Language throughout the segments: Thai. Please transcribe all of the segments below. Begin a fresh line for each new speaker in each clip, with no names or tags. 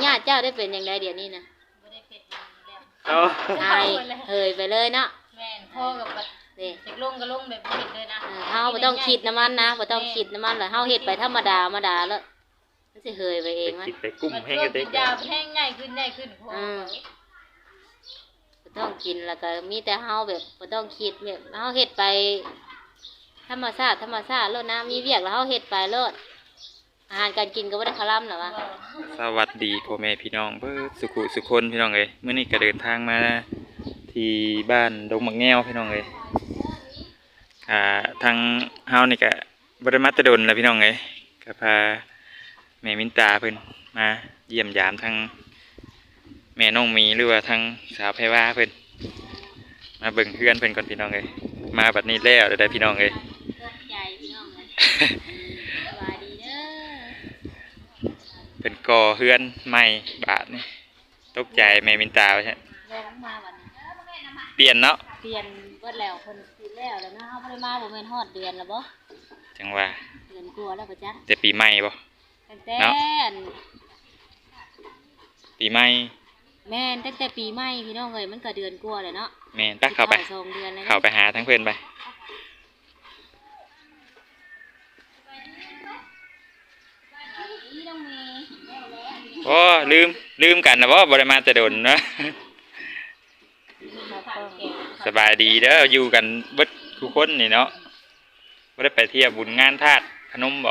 ญาติเจ้าได้เป็นอย่างไรเดี๋ยวนี้นะ
บ่ได้เป็นแล้ว
ไอ้เฮยไปเลยเนาะ
แม่นพ่อกับนี่จะลงก็ลงแบบนี้เลยนะ
เฮาบ่ต้องคิดน้ำมันนะบ่ต้องคิดน้ำมันเลยเฮาเฮ็ดไปธรรมดาแล้วมันสิเฮยไปเองมั้ย
คิดไปกุ้มแห้งก็ได้
ยาแห้งง่ายขึ้นพ่อ
บ่ต้องกินแล้วก็มีแต่เฮาแบบบ่ต้องคิดแบบเฮาเฮ็ดไปธรรมชาติแล้วนะมีเวียกแล้วเฮาเฮ็ดไปโลดอาหารการกินก็บ่ได้คาร่ำหรอวะ
สวัสดีพ่อแม่พี่น้องเบิดสุคนพี่น้องเอ้ยมื้อนี้ก็เดินทางมาที่บ้านดงมักแง้วพี่น้องเอ้ยทางเฮานี่ก็บ่ได้มาแต่ดนแล้วพี่น้องเอ้ยก็พาแม่มินตาเพิ่นมาเยี่ยมยามทางแม่น้องมีหรือว่าทางสาวไผว่าเพิ่นมาเบิ่งเพื่อนเพิ่นก่อนพี่น้องเอ้ยมาบัดนี้แล้วได้พี่น้องเอ้ยเป็นก่อเฮือนใหม่บาทนี่ตกใจแม่มินตาใช่เปลี่ยนเนาะ
เปลี่ยนเบิดแล้วคนคิดแล้วนะเฮาบ่ได้มาบ่แม่นฮอดเดือนแล้วบ่
จังว่า
เดือนกลัวแล้วบ่จ๊ะ
แต่ปีใหม่บ่
ตั้งแต่
ปีใหม่
แม่นตั้งแต่ปีใหม่พี่น้องเอ้ยมันก็เดือนกลัวเลยเนาะ
แม่นตักเข้าไป
2เดือนแล้ว
เข้าไปหาทั้งเพิ่นไปโอ้ลืมกันนะบ่ได้มาแต่ดนเนาะสบายดีเด้ออยู่กันเบิดทุกคนนี่เนาะบ่ได้ไปเที่ยวบุญงานทาสขนมบ่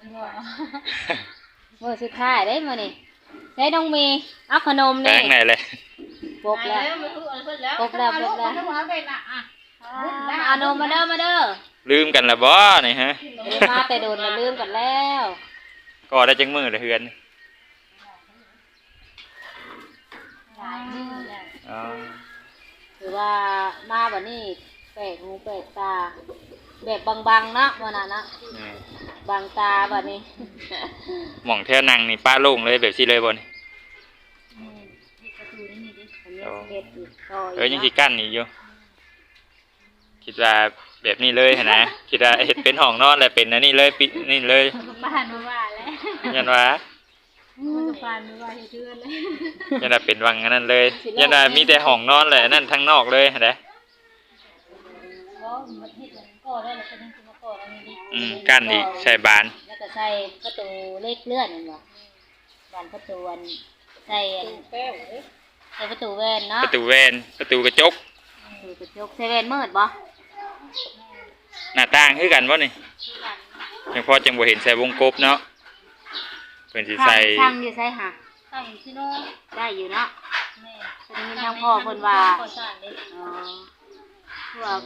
มื้อสุดท้ายเด้มื้อนี้ได้น้องมีเอาขนมนี่
แป้งไหนเลย
ปกแล้วเอานมมาเด้อ
ลืมกันละบ่นี่ฮะ
มาแต่โดนลืมกันแล้ว
ก็ได้จังมื้อละเฮือน
คือว่ามาแบบนี้แปลกหูแปลกตาแบบบางๆเนาะวันนั้นนะบางตาแบบนี้
หม่องแถวนั่งนี่ป้าโล่งเลยแบบสิเลยบ่นี่ยังสิกั้นอีกอยู่คิดว่าแบบนี้เลยนะคิดว่าเฮ็ดเป็นห้องนอนแล้วเป็นอันนี้เลยปิดนี่เลย
บ้านบ่ว่าแล้ว
ยันว่า
บ้านบ่ว่าเฮ็ดเทือนเลย
ยันว่าเป็นวังอันนั้นเลยยันว่ามีแต่ห้องนอนแหละนั่นทั้งนอกเลยเด้กั้นอีกใส่บาน
แล้วก็ใส่ประตูเล็กเลื่อนนั่นบ่บานประตูใส่ประตูแว่นเนาะ
ประตูแว่นประตูกระจก
ใส่แว่นมืดบ่
หน้าต่างคือกันบ่นี่ยังพอจังบ่เห็นใส่วงกบเนาะเพิ่นสิใส่
ช่างอยู่ใส่หา
ช่างอยู่ที่โน่น
ได้อยู่เนาะแม่เพิ่นมีทางพ่อเพิ่นว่าพวก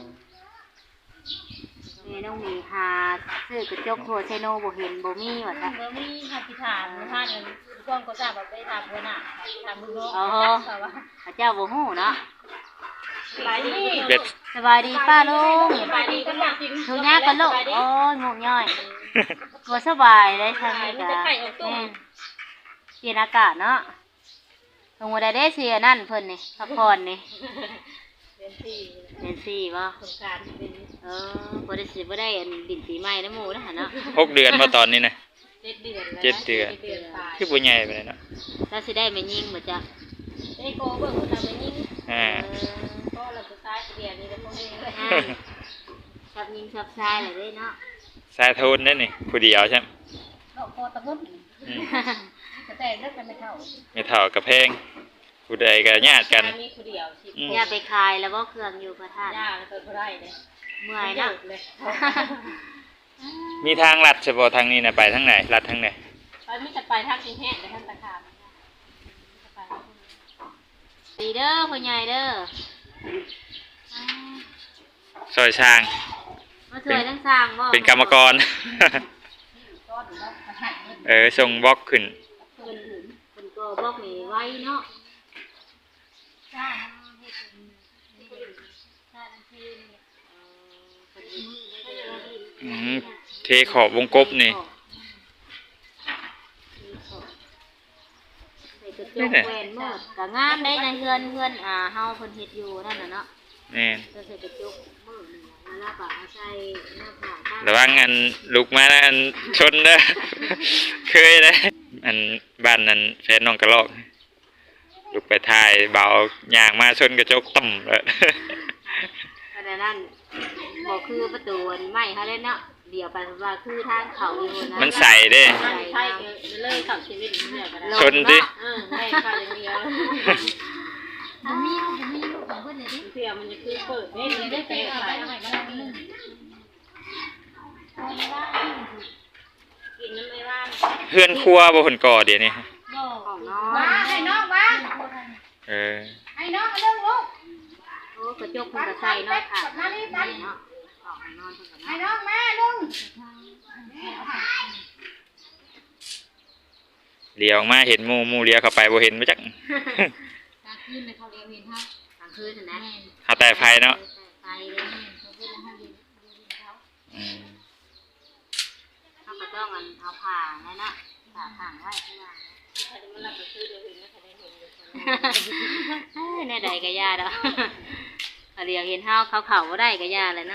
แม่น้องมีหาซื้อกระจกโทรไซโนบ่เห็นบ่มีว่าซะ
บ่มีค่ะที่ถามท่านก่อนก็ทราบว่าไปถามเพิ่นน่ะถามลูกน้อง
พระเจ้าบ่ฮู้เนาะ
สบาย
ดีป้าลุง
สบายดีกันจริง
ทุกอย่างกันลูกโอ้ยงงย่อยตัวสบายเลยทางนี้จ้ะเปลี่ยนอากาศเนาะตรงวันใดได้เสียนั่นเพิ่นนี่พักผ่อนนี่เป็นสี่บ่บ่ได้สิบ่ได้ดินปีใหม่นะหมู่นะหั่นเนาะ
6 เดือนบ่ตอนนี้นะ
7 เดือน
คือบ่ใหญ่ปานใดเนาะ
ถ้าสิได้แม่ยิงบ่จ๊ะ
ได้โกเบิ่งพุ่นน่ะแม่ยิงก็แล้วก็ซ้ายเดียวนี่แล้วพวกนี้
ชับยิงชับทรายเลยเนาะ
ทรายโทนนั่นนี่ผู้เดียวใช่มั้ย
เนาะพอตะพุ่นแต่เลิกกันไม่
เท่ากับแพงผู้ใดก็ญาติกัน
มีผู้เดียว
ญาติไปขายแล้วบ่เครื่องอยู่พระธาตุ
ญาติเปิดบ่ได้เด้
เมื่อยเนาะ
มีทางลัดเฉพาะทางนี้น่ะไปทางไหนลัดทางไหน
มีแต่ไปทางกรุงเทพแต่ทางตะขาม
ดีเด้อพ่อใหญ่เด้อ
ซอยช้าง
มาช่วยทั้งสร้างบ่
เป็นกรรมกรส่งบล็อกขึ้น
เป็นก็บล็อกนี่ไว้เนาะ
เทขอบวงกบนี่
จกแหวนมืดก็งามได้ในเฮือนเฮาเพิ่นเฮ็ดอยู่นั่นน่ะเนาะ
แม่น
ก็ใส่กระจกมืดนี่แล้วก็เอาใส่หน้าผาก
ระวังอันลุกมาอันชนเด้อเคยเด้อันบ้านนั้นแฟนน้องกระลอกลุกไปถ่ายเบาย่างมาชนกระจกต่ำแล้ว
ขณะนั้นบอกคือประตูไม่เขาเล่นเนาะเดี๋ยวไปว่าคือทางเขาอยู่นะ
มันใส่เด้
ใช่เลยขับชีวิตเนี่ยก็ได้
ชนดิ
ให้ข้าวอย่างเดียว
บ่มีลูกของเพิ่นเลยดิ
เสียมันจะคือเปิดไม่ได้เตะใส่ให้มันนึ่งกินน้ำไม่ว่าน
เพื่อนครัวบ่ผลก่อเดี๋ยวนี้
ของน้อง
ว่าให้น้องว่า
เออ
ให้น้องเรื่องลูก
โอ้กระจกเพิ่นก็ใส่เนาะค่ะเนาะออกนอนเพิ่นก็
ให้
เนาะ
น้องมาลุง
เลี้ยวออกมาเห็นหมู่เลี้ยวเข้าไปบ่เห็นบ่จัก
กลางคืนไปเขาเรียนเห็นเฮากลางคืนน่ะนะ
หาแต่ไฟเนาะ
ไปเลยเขาเพิ่นให้ยืนเขา
อืม
เขาก็ต้องเอาผ้านั่นน่ะผ้าข้างไว้ข้างล่าง
มันรับไปซื้อเดี๋ยวอื่นไม่ทันได้เห็นเลย
แน่ใดก็ย่าดอกเรียกเห็นเฮาเขาบ่ได้ก็ย่าเลยนะ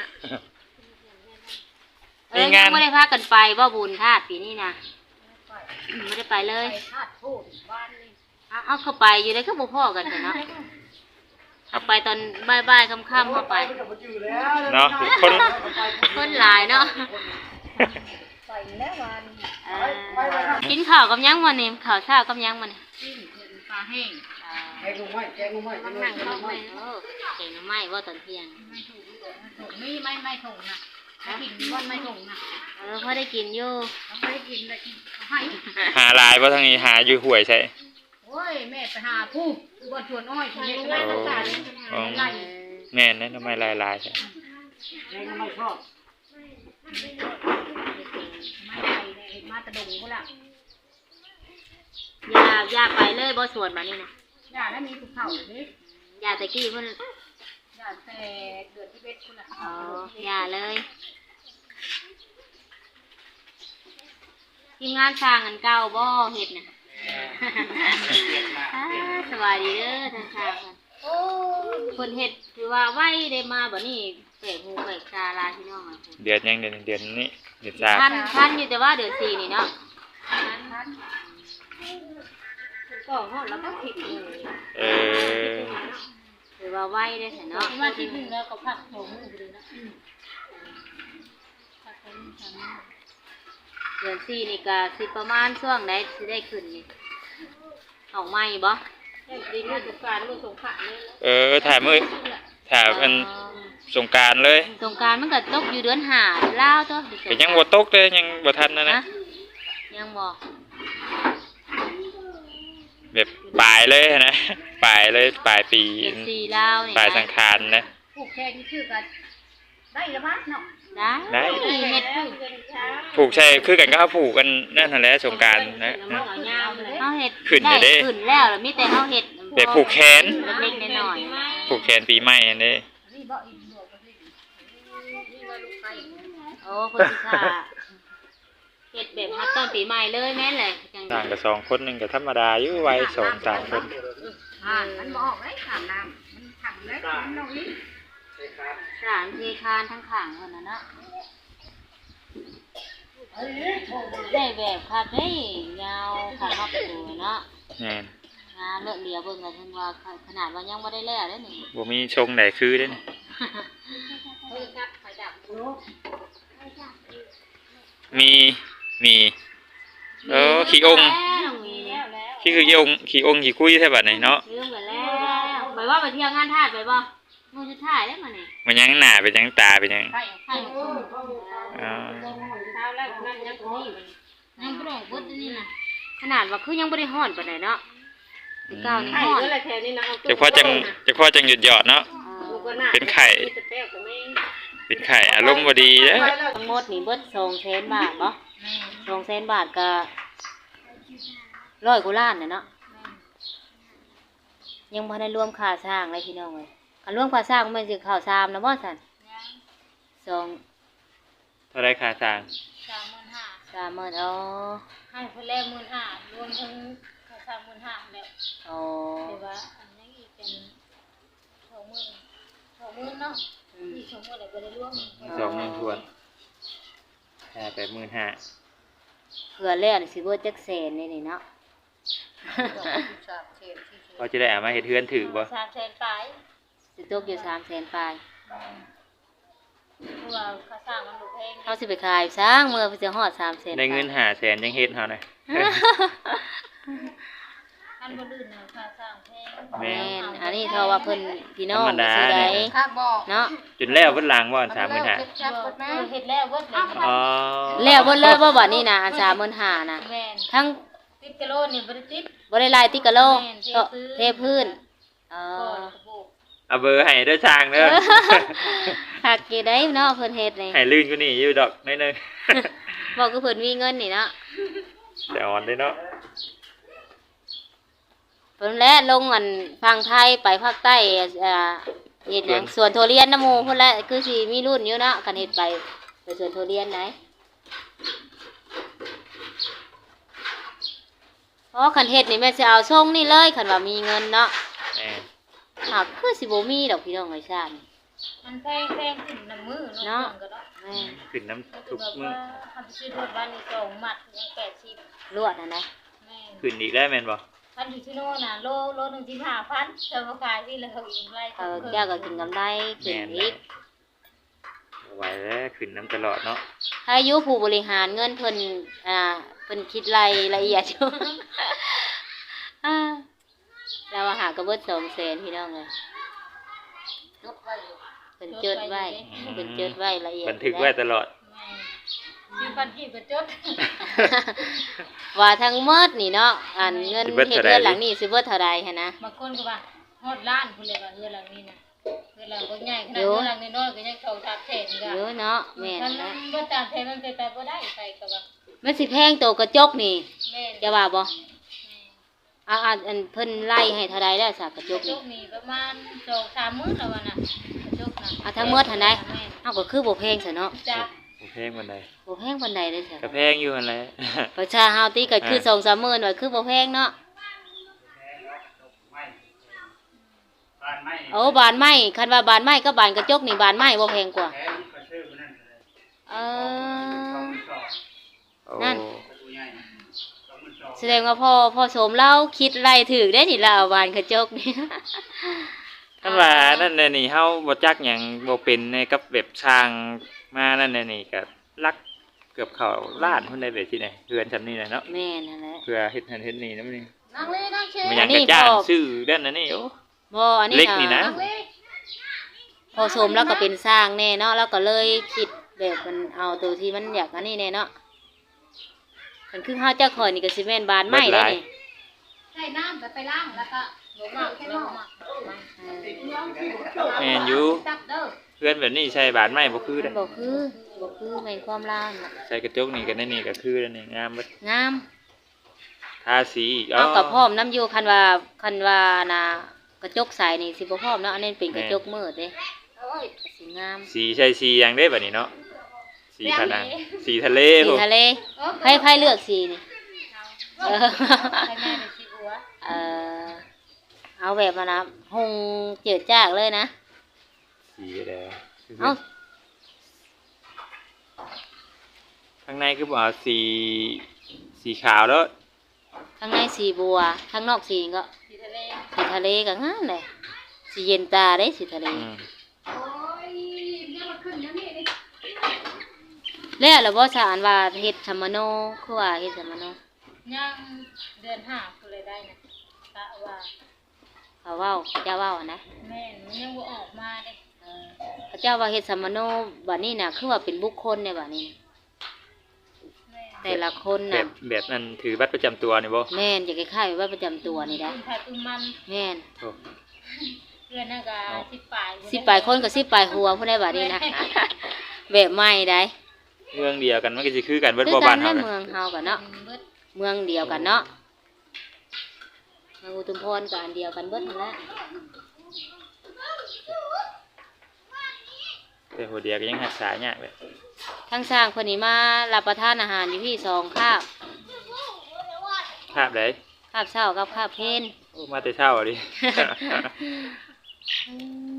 ยังบ่ได้พากันไปบ่บุญธาตุปีนี้นะไม่ได้ไปเลย
ธาตุพูดบ้านนี่
เอาเข้าไปอยู่ได้ก็บ่พอกันเนาะเอาไปตอนบ่ายๆค่ำๆเข้าไป
เนาะคน
คนหลายเนาะ
ใส่แล้ววัน
กินข้าวกับยังมื้อนี้ข้าวเช้ากับยังมื้อนี้
จิ้มปลาแห้ง
แกงลงไม้แกงลงไม้
มันนั่งเข้าไปเก่งไม้บ่ตอนเที่ยง
ไม่ถูกไม่ถูกนะกินวันไม่ถูกนะ
พอได้กินอยู่
เราไม่ได้กินเลยกินให้
หาลายบ่ทางนี้หาอยู่ห้วยใช่
โอ้ยแม่ไปหาผู้บนชวนอ้อยคนนี้ก็ไม่ต้องการไล่
แม่นนะทำไมลายใช่
แกงลงไม้ชอบ
ไม่ได้เห็นมาตะดงก็ละ
อย่าไปเลยบ่สวนมานี่นะ
อย่าแล้วมีภูเขาเลย
อย่าตะกี้เพิ่น
อย่าแต่เกิดที่เบ็ดคุณละ
อย่าเลยทีมงานสร้างอันเก่าบ่เฮ็ดน่ะ สวัสดีเด้อทางสร้างเพิ่น
โอ้
เพิ่นเฮ็ดคือว่าไว้ได้มาบัดนี้แปลกหูแปลกตาลาพี่น้องอ่ะ
เดือนยังเดือนนี้เดือนสาม
ทันอยู่แต่ว่าเดือน4นี่เนาะ
ทันก็หอดแล้วก็ผิดเลย
เออ
หรือว่าไว้ได้แท้เนาะ
มาที่นึงแล้วก็พักโถมือเลยนะ
เดือน4นี่ก็สิประมาณช่วงใดสิได้ขึ้นนี่ออกใหม่บ่
ดีมือสงการมือสงขะเลย
ถ่ายมือถ่ายเป็นสงกรารเลย
สงกรานต์มันก็ตกอยู่เดือน5ลาวตัว
ก็ยังบ่ตกเลยยังบ่ทันนะ
ยังบ่
แบบปลายเลยนะ ปลายเลยปลายปี
เดือน4ลาวนี่
ปลายสังขารนะ
ผูกแค่ที่ชื่อกันได้ละมั้งเนาะ
ได้เฮ็ดผูก
ผูกใช่คือกันก็เอาผูกกันนั่นนั่นแหละสงกรารนะ
เฮาเฮ็ด
ขึ้นน่ะเด้
ขึ้นแล้วมีแต่เฮาเฮ็ด
แบบผูกแขน
เล็กๆน้อย
ผูกแขนปีใหม่อันนี้
นี่บ่อินบ่ก็สินี่มาลูกไก่
ๆโอ้เพิ่นสิค่ะเฮ็ดแบบฮัดต้นปีใหม่เลยแม่นเลยจัง
ต่างกับ2 คนหนึงก็ธรรมดาอยู่วัย2 3 คน
มันบ่ออกเลยถามน้ำมันถังเลยมันน้องนี่
สารเทคานทั้งข้างเพิ่นน่ะเนาะได้แบบคักเด้ยาวคักเฮาประตูเนาะ
แม่น
งานเลิกเดียวเบิ่งก็ถึงว่าขนาดว่ายังบ่ได้แล้วเด้นี่
บ่มีชงไหนคือเด้นี่
เฮ้ยงัดไฟดับ
มีขี้องค์
แล้วมีแล้ว
ขี้องค์ขี้คุยแท้บัดนี้เนาะ
ลืมกันแล้วไปว่าไปเที่ยวงานทาสไปบ่มื้อสุดท้ายแล้วมื้อนี้
มันยังหน้าเป็นยังตาเป็นยัง
ไก่
ให้
อ๋อ
เช้าแล้วนั่นยังนี่มัน
ยังบ่ได้เบิดนี่น่ะขนาดว่าคือยังบ่ได้ฮ้อนปานใดเนาะสิเก้านี่
ไข่
ฮ้อน
ก็เลยแถวนี้นะเอา
จะพอจังหยุดหยอดเนาะ เป็นไข่ เป็นไข่อารมณ์บ่ดีเด้อ
ทั้งหมดนี่เบิด200,000 บาทบ่200,000 บาทก็100กว่าล้านน่ะเนาะยังบ่ได้รวมค่าสร้างเลยพี่น้องเอ้ยคันรวมค่าสร้างมันสิเข้า3นะบ่ซั่น2
เท่าไรค่าสร้าง
30,000อ๋อ
ให้คนแรก15,000รวมทั้งค่า35,000แล้ว
อ๋อ
แต่ว่าอันนี้อีกเป็น20,000เนาะอีก20,000แล้วบ่ได้รวม
20,000ทวนค่า85,000
เผื่อแล้วนี่สิเบิดจักแสนนี่เนาะ
เขาจะได้เอามาเฮ็ดเฮือนถือบ่
300,000ปลาย
สิตกอยู่300,000ปลาย
เพราะว่าค่าสร้างมันบ่แพง
เฮาสิไปขายสร้างเมื่อเพิ่นสิฮอด300,000
ได้เงิน500,000ยังเฮ็ดเฮาน่ะ
อันบ่ลื่นน่ะค่าสร้างแพง
แม่
แม่นอันนี้เท่าว่าเพิ่นพี่น้อง
ธรรมดา
สิได้
เนี่ย
ครับบ่
เนาะ
จนแล้วเบิดหลังบ่อัน35,000
เฮ็ดแล้วเบิดเลย
อ๋อ
แล้วเบิดเลยบ่บัดนี้นะอัน35,000น่ะ
แม่น
ทั้ง
ติดกิโลนี่บ่ได้ติด
บ่ได้ลายติกะโล
แม่น
ก็เทพื้นเอ
ก็
อ
กระโบก
เอาเบอร์ให้เด้อช่างเด้อ
หักกี่ได้เนาะเพิ่นเฮ็ดนี่
ให้ลื่นกว่านี้อยู่ดอกน้อยหนึง
บอกคือเพิ่นมีเงินนี่เนาะ
แต่อ่อนเลยเนาะ
เพิ่นแลลงอันฝั่งไทยไปภาคใต้เฮ็ดหยังสวนทุเรียนน้ำหมู่เพิ่นแหละคือสิมีรุ่นอยู่เนาะคันเฮ็ดไปสวนทุเรียนไหนเพราะคันเฮ็ดนี่แม่นสิเอาส่งนี่เลยคันว่ามีเงินเนาะ
แม่
หากคือสิบ่มีดอกพี่น้องไอ้ชาติ
มันแพงขึ้นน้ำมือ
เนาะ
ก็เนาะ
แม่น
ขึ้นน้ำทุกมื้อ
ทำไปซื้อรถบ้านนี่2มัดยัง80
ลวดนะนะ
แม่น
ขึ้นอีกได้แม่นบ่
พันอยู่ที่โน่นน่ะโลนึงที่5,000จะมาขายที่แล้วเขาอีกไร
แก้วก็กินกำไรขึ้นอีก
บ่ไหวแล้วขึ้นน้ำตลอดเนาะ
ถ้าอายุผู้บริหารเงินเพิ่นเพิ่นคิดรายละเอียดอยู่ เราหากระเบิด200,000พี่น้องเลยเพิ่นจดไว้เพิ่นจดไว้ละเอียด
บันทึกไว้ตลอด
ซื้อพันกี่ก็จด
ว่าทั้งหมดนี่เนาะอันเงินเฮ็ดเรือนหลังนี้สิเบิดเท่าใดหันนะ
บางคนก็ว่าฮอดล้านพุ่นเลยว่าเฮือนหลังนี้น่ะเฮือนหลังบ่ใหญ่ขนาดเฮือนหลังน้อยๆก็ยังเข้า300,000ก็
เยอะเนาะแม่น
มัน
นะ
บ่300,000มันไปบ่ได้ไปก็ว่า
มันสิแพงโตกระจกนี่
แม่น
จะว่าบ่อันเพิ่นไล่ให้เท่าใดแล้วสากกระจ
ก
ก
ระจ
นี่
กนี่ประมาณ2-3มื้อแล้วว่าน่ะกระจกน่ะ
ทั้งหมดหันใดเฮาก็คือบ่แพงซะเนาะ
จ้ะ
บ่แพงปานใด
บ่แพงปานใดเลยซะ
ก็แพงอยู่หั่นแหละ
ประชาเฮาติก็คือ 2-3 หมื่นว่าคือบ่แพงเนาะ
บ้านไม้
โอ้บานไม้คันว่าบานไม้กับบานกระจกนี่บานไม้บ่แพงกว่า
แพงก็ซื้อมานั่นเลย
เออ
โอ้
นั่น
ประตูใหญ่22,000
แสดงว่าพ่อสมเราคิดไล่ถูกได้นี่เราเอาบานกระจกนี่
คันว่านั่นน่ะนี่เฮาบ่จักหยังบ่เป็นในกับแบบสร้างมานั่นน่ะนี่ก็ลักเกือบเข้าล้านพุ่นได้แบบที่ไหนเรือนซำนี้น่ะเนาะ
แม่นั่นแหละ
เพื่อเฮ็ดนั่นเฮ็ดนี่นำนี่
นั่งเลยนั่งเชย
มันยังกระจ้างซื้อด้านนั้นนี่โอ้
บ่อันนี้
เล็กนี่นะ
นั่งเลย
พ่อสมแล้วก็เป็นสร้างแน่เนาะแล้วก็เลยคิดแบบมันเอาตัวที่มันอยากอันนี้แน่เนาะคันคือเฮาเจ้าข่อยนี่ก็สิแม่นบานไม้ได้นี่
ใส่น้ำไปล้างแล้วก็ลงมาแค่ลงมา
เออ
แม่นอยู่
จับเด้อ
เพื่อนแบบนี้ใช้บานไม้บ่คือ
มั
เด้
นบ่คือแม่นความลาวน่ะ
ใช้กระจกนี่ก็นั่นนี่ก็คือนั่นนี่งามเบิด
งาม
ทาสีอีก
เอากับพร้อมน้ำอยู่คันว่าน่ะกระจกใสนี่สิบ่พร้อมเนาะอันนี้เป็นกระจกมืดเด้
โอ้ย
สีงาม
สีใช้สีอย่างได้บัดนี้เนาะสีผนังสีทะเล
สี
โห
ทะเลไผเลือกสีนี่เออ
ให้แม่เป็นสีบัว
เออเอาแบบมานะหงเจิดจ้ากเลยนะ
สีแดง
เอา
ข้างในคือบ่เอาสีขาวแล้ว
ข้างในสีบัวข้างนอกสีก็
สีทะเล
สีทะเลก็งามเลยสีเย็นตาได้สีทะเล
อืม
โอ้ยเรื่องมันขึ้นอย่างนี้ดิ
แล้วเราบ่สารว่าเฮ็ดสมโนคือว่าเฮ็ดสมโน
ยังเดือน5พุ่นเลยได้นะกะว่า
เขาเว้าเขาเจ้าเว้าอะนะ
แม่นมันยังบ่ออกมาเด้
เออเขาเจ้าว่าเฮ็ดสมโนบัดนี้น่ะคือว่าเป็นบุคคลเนี่ยบัดนี้
แม่น
แต่ละคน
แบ
น่ะ
บนั้นถือบัตรประจำตัวนี่บ่
แม่นจะคล้ายๆว่าประจำตัวนี่ได้
ตุ้มไผ่ตุ้มมัน
แม่น
โอ้
เดือนนั้นก็10ปลาย
สิปลายคนกับสิปลายหัวผู้ใดบัดนี้นะ แบบใหม่ได้
เมืองเดียวกันมันก็สิคือกันเบิด
คือ
บ่
กั
บ้าน น
ใน
เฮาน่ะ
เมืองเฮากันเนาะ
เบิด
เมืองเดียวกันเนาะเมืองอุทุมพรก็อันเดียวกันเบิดนั่นแหละ
แต่หัวเดียวก็ยังรักษายากเลย
ทั้งสร้างคนนี้มารับประทานอาหารอยู่ที่2คาบ
ภาพใด
คาบเช้ากับคาบเพลน
โอ้มาแต่เช้าดิ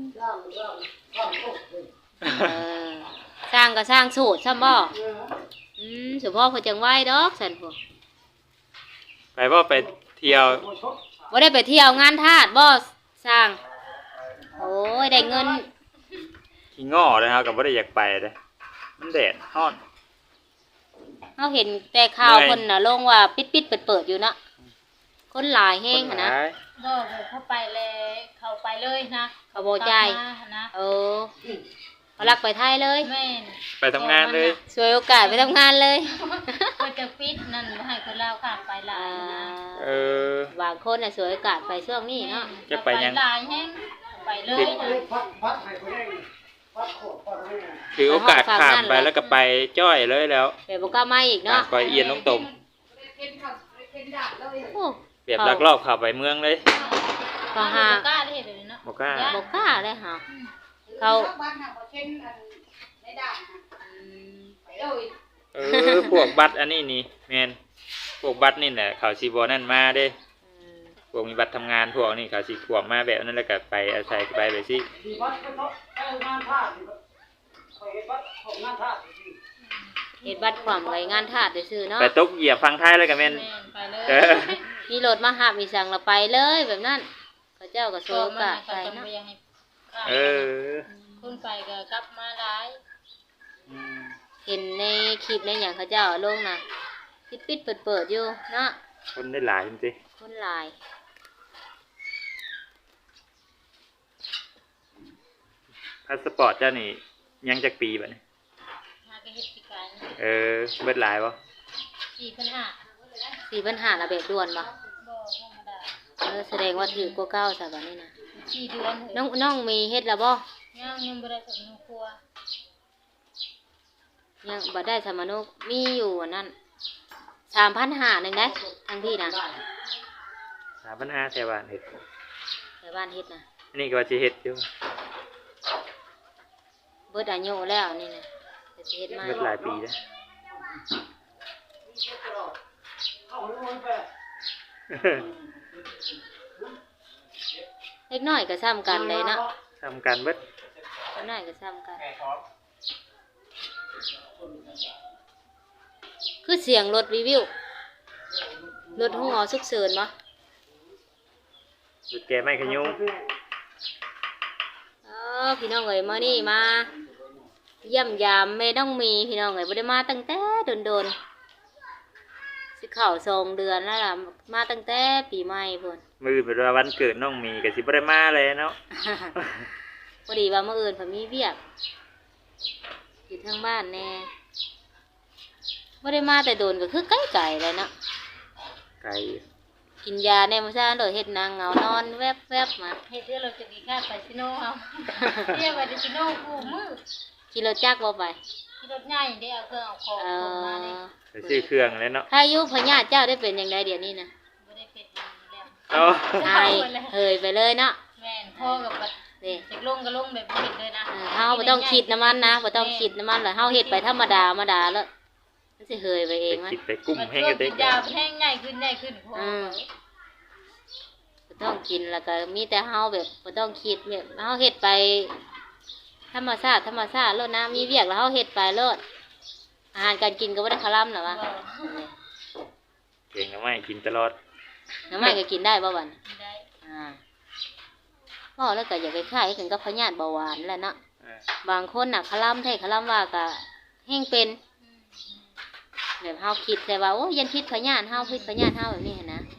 เออสร้างก็สร้างสูตรซ้ำบ่เฉพาะเพิ่นจังไหว้ดอกซั่นพุ่น
ไปบ่ไปเที่ยว
บ่ได้ไปเที่ยวงานทาสบ่สร้าง โอ้ยได้เงิน
ขี้ง้อเลยครับก็บ่ได้อยากไปเลยมันแดดร้อน
เฮาเห็นแต่ข่าว
เมื่อย
เพิ่นน่ะลงว่าปิดๆเปิดๆอยู่เนาะคนหลายแฮงหันนะ
คหลาย
บ่เข้าไปเลยเข้าไปเลยนะ
เขาบ่จ่าย
กลับมานะ
เออเขาลักไปไทยเลย
แม่น
ไปทำงานเลย
สวยโอกาสไปทำงานเลย
ก็จะปิดนั่นบ่ให้คนลาวข้ามไปหลายนะ
เออบ
างคนน่ะสวยโอกาสไปช่วงนี้เนาะ
จะไปยัง
หลายแฮงไปเลยนะ
พัดให้คนเองพัดโคตรพัดให้
ถือโอกาสข้ามไปแล้วก็ไปจ้อยเลยแล้ว
แต่บ่กล้ามาอีกเนาะ
ไปเอียนลงตม
โอ้
เปรียบลักลอบเข้าไปเมืองเลย
เขาหา
บ่กล้าได้เฮ็ดเลยเนาะ
บ่กล้า
บ่กล้าเลยหาเขา
เออพวกบัตรอันนี้นี่แม่นพวกบัตรนี่แหละเขาสิบ่นั่นมาเด้พวกมีบัตรทำงานพวกนี้เขาสิขวบมาแบบนั้นแล้วก็ไปอาศัยไปแบบสิ
ที่วัดก็ต้องงานท่าที่คอยวัดของงานท่าที่
เฮ็ดบัตรความไว้งานทาสซื่อๆเนาะ
ไปตกเหยียบฟังไทยแล้วก็แม่น
แม่นไปเลย
เออ
มีรถมาหามีสั่งเราไปเลยแบบนั้นเขาเจ้าก็สวย
ก็
โอ
มาก
าส
ก็
ไป
ต้อง
เนาะ
บ่อยากให้ข้าม
เออ
คนไปก็กลับมาหลาย
เห็นในคลิปในอย่างเขาเจ้าลงน่ะปิดๆเปิดๆอยู่เนาะ
คนได้หลายจริง
คนหลาย
ๆพาสปอร์ตเจ้านี่ยังจักปีบัดนี้
หาก็เฮ็ดสิการ
เออเบิดหลายบ่
4,500
4,500ละแบบด่วนบ่
บ่ธรรมดา
แสดงว่าถือกว่าเก่าซะบัดนี้นะ
4 เดือนเถ
น้อ
อะ
งน้องมีเฮ็ดแล้วบ่
ยังบ่ได้กับน้องครัว
ยังบ่ได้สมนุกมีอยู่อันนั้น3,500นึงได้ทั้งที่นะ
3,500แต่บ้านเฮ็ด
แต่บ้านเฮ็ดนะ
อันนี้ก็ว่าสิเฮ็ดอยู่
เบิดอายุแล้วนี่นะแต่สิเฮ็ดมา
เบิดหลายปีแล้ว
เข้าลงไป
เล็กน้อยก็ซ้ำกันเลยเนาะ
ทำการเบิด
เล็กน้อยก็ซ้ำกัน
แม่ท้อง
คือเสียงรถรีวิวรถห้องหอฉุกเฉินบ่
หยุดแกไม่ขยุง
พี่น้องเอ๋ยมานี่มาเยี่ยมยามแม่น้องมีพี่น้องเอ๋ยบ่ได้มาตั้งแต่โดนๆสิเข้า2 เดือนแล้วล่ะมาตั้งแต่ปีใหม่พุ่น
มือเป็นว่าวันเกิดน้องมีก็สิบ่ได้มาเลยเนาะ
พอดีว่ามื้ออื่นเพิ่นมีเวียกอยู่ทางบ้านแน่บ่ได้มาแต่โดนก็คือไกลๆเลยเนาะ
ไกล
กินยาแน่มื้อเช้าโดยเฮ็ดนางเหงานอนแวบๆมา
เฮ็ดเดี๋ยวเราจะดีค่าไปซิโนเอาเรียกว่าดิซิโนกูมือ
ขี่รถจักรบ่ไป
ที่รถใหญ่เด้เอาเครื่องเอาของ
เอ
ส่งมานี่
ไปซื้อเครื่องแล้วเนาะ
ถ้าอายุพญาติเจ้าได้เป็นจังไดเดี๋ยวนี้นะ
บ่ได้เป็นแล้ว
เอา
หายเฮยไปเลยเนาะ
แม่นพ่อกับบัด
นี่
เด็กลงก็ลงแบบบ่เห็นเลยนะ
เฮาบ่ต้องคิดน้ำมันนะบ่ต้องคิดน้ำมันเลยเฮาเฮ็ดไปธรรมดาแล้วมันสิเฮยไปเอ
ไป
งมัน
คิดไปกุ้ม
บัด
ให้
ช่ว
กั
ง
นเด็
กิ
ก
นยาแห้งใหญ่ขึ้นพ่อ
บ่ต้องกินแล้วก็มีแต่เฮาแบบบ่ต้องคิดแบบเฮาเฮ็ดไปธรรมชาติโลดนะมีเวียกแล้วเฮาเฮ็ดไปโลดอาหารการกินก็บ่ได้คาร่ำหรอวะ
เก่งนะไม่กินตลอด
น้ำมันก็กินได้บ่บัด
ได้
บ่แล้วก็อยากไปคล้ายๆกันกับพญาติเบาหวานแหละเนาะ
อ่า
บางคนน่ะคาร่ำแท้คาร่ำว่าก็แห้งเป็นแบบเฮาคิดแต่ว่าโอ้ยันพิษพญาติเฮาพิษพญาติเฮาแบบนี้หั้นนะ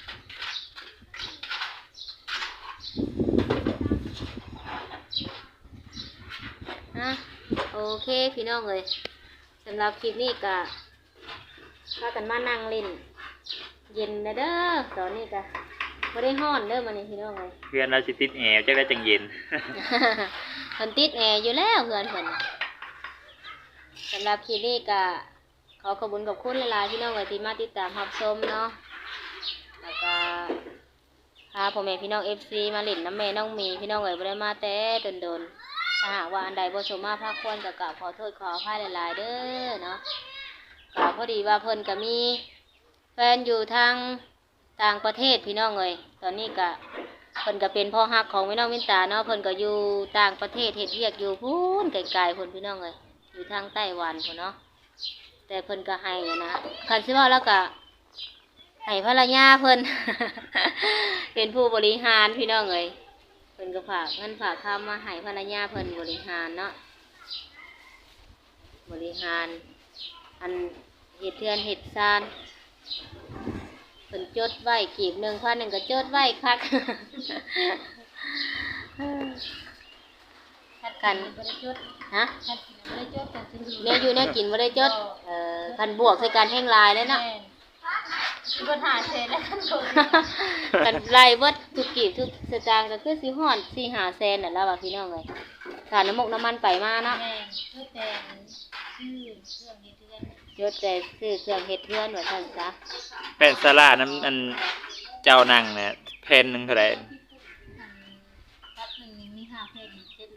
โอเคพี่น้องเอ้ยสำหรับคลิปนี้ก็พากันมานั่งเล่นเย็นนะเด้อตอนนี้ก็บ่ได้ฮ้อนเด้อมื้อนี้พี่น้องเอ้ย
เพื่อนเราสิติดแอร์จักได้จังเย็น
เพิ่นติดแอร์อยู่แล้วเพื่อนเพิ่นสำหรับคลิปนี้ก็ขอขอบคุณกับคุณหลายๆพี่น้องเอ้ยที่มาติดตามรับชมเนาะแล้วก็พาพ่อแม่พี่น้อง FC มาเล่นน้ำแม่น้องมีพี่น้องเอ้ยบ่ได้มาแต่โดนๆถ้าหากว่าอันใดบ่สมมาภาคควรก็กราบขอโทษขออภัยหลายๆเด้อเนาะก็พอดีว่าเพิ่นก็มีแฟนอยู่ทางต่างประเทศพี่น้องเอ้ยตอนนี้ก็เพิ่นก็เป็นพ่อฮักของพี่น้องวินตาเนาะเพิ่นก็อยู่ต่างประเทศเฮ็ดเวียกอยู่พู้นไกลๆพุ่นพี่น้องเอ้ยอยู่ทางไต้หวันพุ่นเนาะแต่เพิ่นก็ให้นะคันสิว่าแล้วก็ให้ภรรยาเพิ่น เป็นผู้บริหารพี่น้องเอ้ยเพิ่นก็ฝากเงินฝากคำมาให้ภรรยาเพิ่นบริหารเนาะบริหารอันเฮ็ดเทือนเฮ็ดซานเพิ่นจดไว้กีบ1,000นึงก็จดไว้คัก
กันบ่ได้จด
ฮะ
คันบ่ได้จดกันซื้อ
เนี่ยอยู่เนี่ยกินบ่ได้จดคันบวกใส่กันแห่งหลายเลยเนาะ
สิบ่ถ่ายเสร็จแล้วกันโดน
กันไล่เบิดทุกกีบทุกสตางค์ก็คือสิฮอด4-5แสนนั่นล่ะว่าพี่น้องเอ้ยค่าน้ำมกน้ำมันไปมาเนาะ
แม่นคือแต่ชื่อเครื่องเฮ็ดเรือน
ยศแต่ซื้อเครื่องเฮ็ดเรือนว่าซั่นซะ
แป้นสลาน้ำอันเจ้านั่งเนี่ยแผ่นหนึงเท่าไหร่
รับหนึ่งมี5เพลง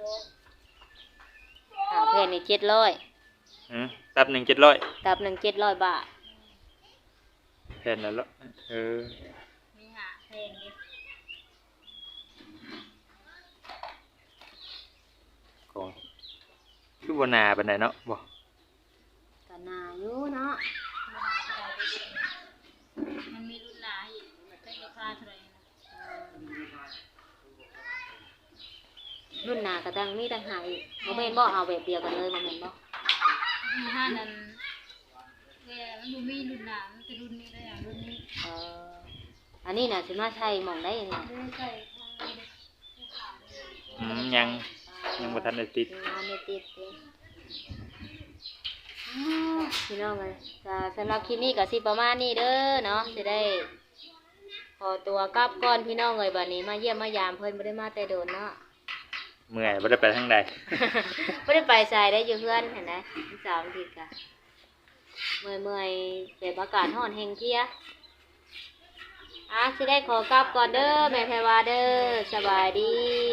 700
หาแผ่นนี่700
ตับหนึ่ง700
ตับหนึง700 บาท
แผ่นแล้วเออ
มี5เพลงนี่
ก็คือบ่นาปานใดเนาะบ่
ก็น่าอยู่เนาะ
มันมีรุ่นหลายอีกมันได้ราคาเท่าไหร่นะ
รุ่นหน้าก็ตั้งมีตั้งหาอีกบ่แม่นบ่เอาแบบเดียวกันเลยบ่แม่นบ่
มีห้านั้นแกมันบ่มีรุ่นหลายมันเป็นรุ่นนี้ได้อย่างรุ่นนี้
อันนี้น่ะสิมาใช้หม่องได้นี่
ไม่ได้ใส่ทางนี้
ยังบ่ทันได้ติด
งานเนี่ยติดเด้พี่น้องเอ้ยก็สำหรับคลิปนี้ก็สิประมาณนี้เด้อเนาะสิได้ขอตัวกลับก่อนพี่น้องเอ้ยบัดนี้มาเยี่ยมมายามเพิ่นบ่ได้มาแต่โดนเนาะ
เมื่อยบ่ได้ไปทางใด
บ่ได้ไปไสได้อยู่เพื่อนเห็นไหม3 อาทิตย์ก็เมื่อยๆแบบอากาศร้อนแฮงเพลียสิได้ขอกลับก่อนเด้อแม่แพรวาเด้อสบายดี